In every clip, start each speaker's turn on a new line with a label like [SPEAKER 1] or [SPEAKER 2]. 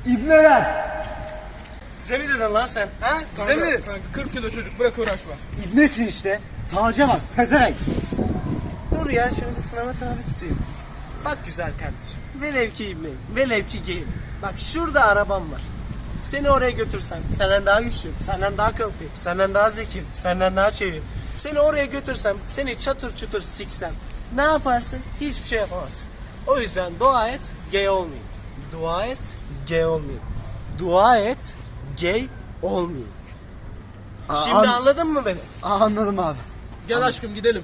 [SPEAKER 1] İbneler.
[SPEAKER 2] Bize mi dedin lan sen? Ha? Bize mi dedin?
[SPEAKER 3] Kanka 40 kilo çocuk, bırak uğraşma.
[SPEAKER 1] İbnesin işte. Taca bak pezevenk.
[SPEAKER 2] Dur ya şunu bir sınava tabi tutayım. Bak güzel kardeşim. Velev ki ibneyim. Velev ki geyim. Bak şurada arabam var. Seni oraya götürsem senden daha güçlüyüm, senden daha kalkayım, senden daha zekiyim, senden daha çeviriyim. Seni oraya götürsem, seni çatır çutur siksem ne yaparsın? Hiçbir şey yapamazsın. O yüzden dua et, gay olmayayım. Dua et, gay olmayayım. Dua et, gay olmayayım. Şimdi anladın mı beni?
[SPEAKER 1] Anladım abi.
[SPEAKER 3] Gel aşkım gidelim.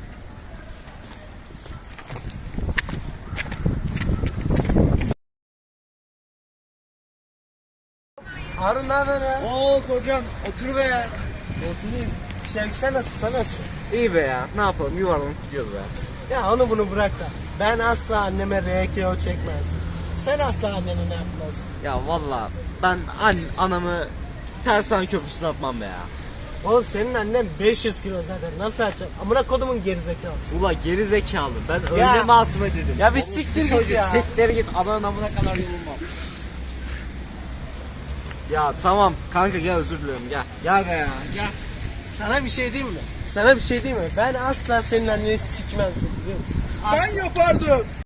[SPEAKER 2] Harun ne haber ya?
[SPEAKER 1] Oo kocam otur be ya.
[SPEAKER 2] Oturayım. Sen nasılsın? Sen nasılsın?
[SPEAKER 1] İyi be ya. Ne yapalım yuvarlanıp gidiyoruz be.
[SPEAKER 2] Ya onu bunu bırak da. Ben asla anneme RKO çekmezdim. Sen asla annene ne yapmazdın?
[SPEAKER 1] Ya valla ben anamı tersan köprüsüne atmam be ya.
[SPEAKER 2] Oğlum senin annen 500 kilo zaten. Nasıl açacak? Amına kodumun gerizekalısı.
[SPEAKER 1] Ula geri zekalı. Ben
[SPEAKER 2] Ya.
[SPEAKER 1] öyle mi atma dedim.
[SPEAKER 2] Ya bir
[SPEAKER 1] Oğlum,
[SPEAKER 2] siktir git
[SPEAKER 1] çocuk,
[SPEAKER 2] ya.
[SPEAKER 1] Siktir git. Ananın amına kadar yorulmam. Ya tamam kanka gel özür dilerim gel. Gel be ya gel.
[SPEAKER 2] Sana bir şey diyeyim mi? Sana bir şey diyeyim mi? Ben asla senin anneni sikmezdim biliyor musun?
[SPEAKER 3] Ben yapardım.